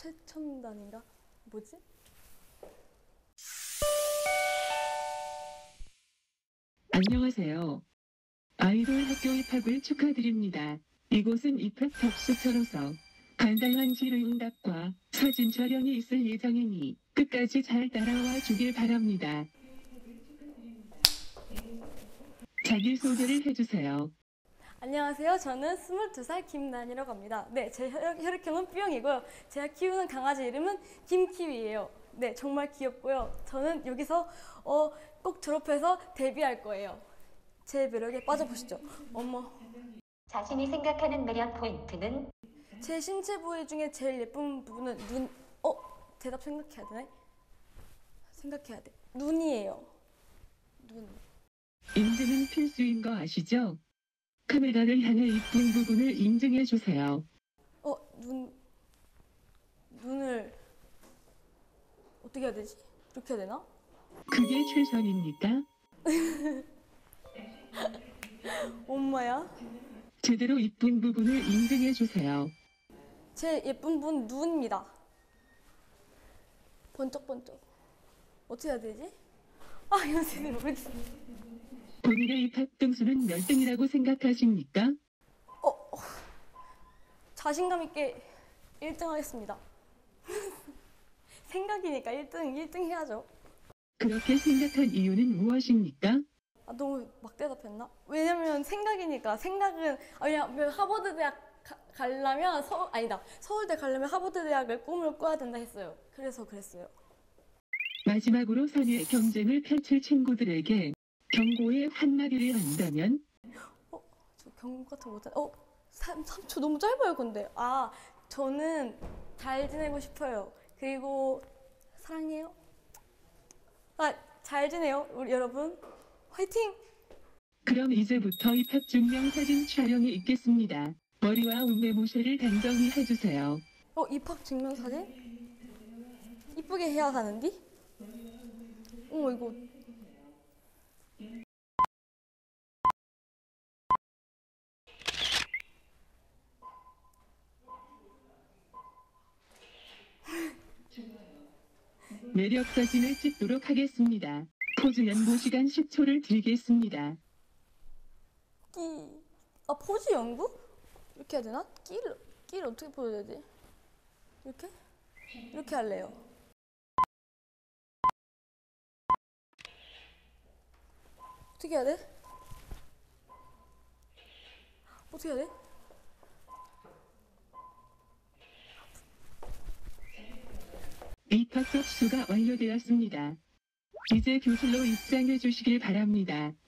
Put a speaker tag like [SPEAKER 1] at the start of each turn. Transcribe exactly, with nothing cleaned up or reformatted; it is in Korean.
[SPEAKER 1] 최첨단인가? 뭐지?
[SPEAKER 2] 안녕하세요. 아이돌 학교 입학을 축하드립니다. 이곳은 입학 접수처로서 간단한 질의응답과 사진 촬영이 있을 예정이니 끝까지 잘 따라와 주길 바랍니다. 자기소개를 해주세요.
[SPEAKER 1] 안녕하세요. 저는 스물두 살 김난이라고 합니다. 네, 제 혈액, 혈액형은 B형이고요. 제가 키우는 강아지 이름은 김키위예요. 네, 정말 귀엽고요. 저는 여기서 어, 꼭 졸업해서 데뷔할 거예요. 제 매력에 빠져보시죠. 어머.
[SPEAKER 3] 자신이 생각하는 매력 포인트는?
[SPEAKER 1] 제 신체 부위 중에 제일 예쁜 부분은 눈. 어? 대답 생각해야 되네? 생각해야 돼. 눈이에요. 눈.
[SPEAKER 2] 인증은 필수인 거 아시죠? 카메라를 향해 이쁜 부분을 인증해 주세요.
[SPEAKER 1] 어? 눈. 눈을 어떻게 해야 되지? 이렇게 해야 되나?
[SPEAKER 2] 그게 최선입니까?
[SPEAKER 1] 엄마야?
[SPEAKER 2] 제대로 이쁜 부분을 인증해 주세요.
[SPEAKER 1] 제 예쁜 분 눈입니다. 번쩍번쩍. 어떻게 해야 되지? 아, 이거 제대로 모르겠어.
[SPEAKER 2] 본인의 입학 등수는 몇 등이라고 생각하십니까?
[SPEAKER 1] 어, 어, 자신감 있게 일 등 하겠습니다. 생각이니까 일 등, 일 등 해야죠.
[SPEAKER 2] 그렇게 생각한 이유는 무엇입니까?
[SPEAKER 1] 아, 너무 막 대답했나? 왜냐면 생각이니까. 생각은 아, 그냥 하버드 대학 가, 가려면 서 아니다 서울대 가려면 하버드 대학을 꿈을 꿔야 된다 했어요. 그래서 그랬어요.
[SPEAKER 2] 마지막으로 선의 경쟁을 펼칠 친구들에게 경고의 한마디를 한다면?
[SPEAKER 1] 어, 저 경고 같은 거 못한. 어, 삼 초 너무 짧아요. 근데 아, 저는 잘 지내고 싶어요. 그리고 사랑해요. 아, 잘 지내요, 우리 여러분. 화이팅!
[SPEAKER 2] 그럼 이제부터 입학 증명사진 촬영이 있겠습니다. 머리와 옷매모셔를 단정히 해주세요.
[SPEAKER 1] 어, 입학 증명사진? 이쁘게 해야 하는디? 어머, 이거.
[SPEAKER 2] 매력 사진을 찍도록 하겠습니다. 포즈 연보 시간 십 초를 드리겠습니다.
[SPEAKER 1] 끼. 아, 포즈 연구? 이렇게 해야 되나? 끼를, 끼를 어떻게 보여야 되지? 이렇게? 이렇게 할래요. 어떻게 해야 돼? 어떻게 해야 돼?
[SPEAKER 2] 입학 접수가 완료되었습니다. 이제 교실로 입장해 주시길 바랍니다.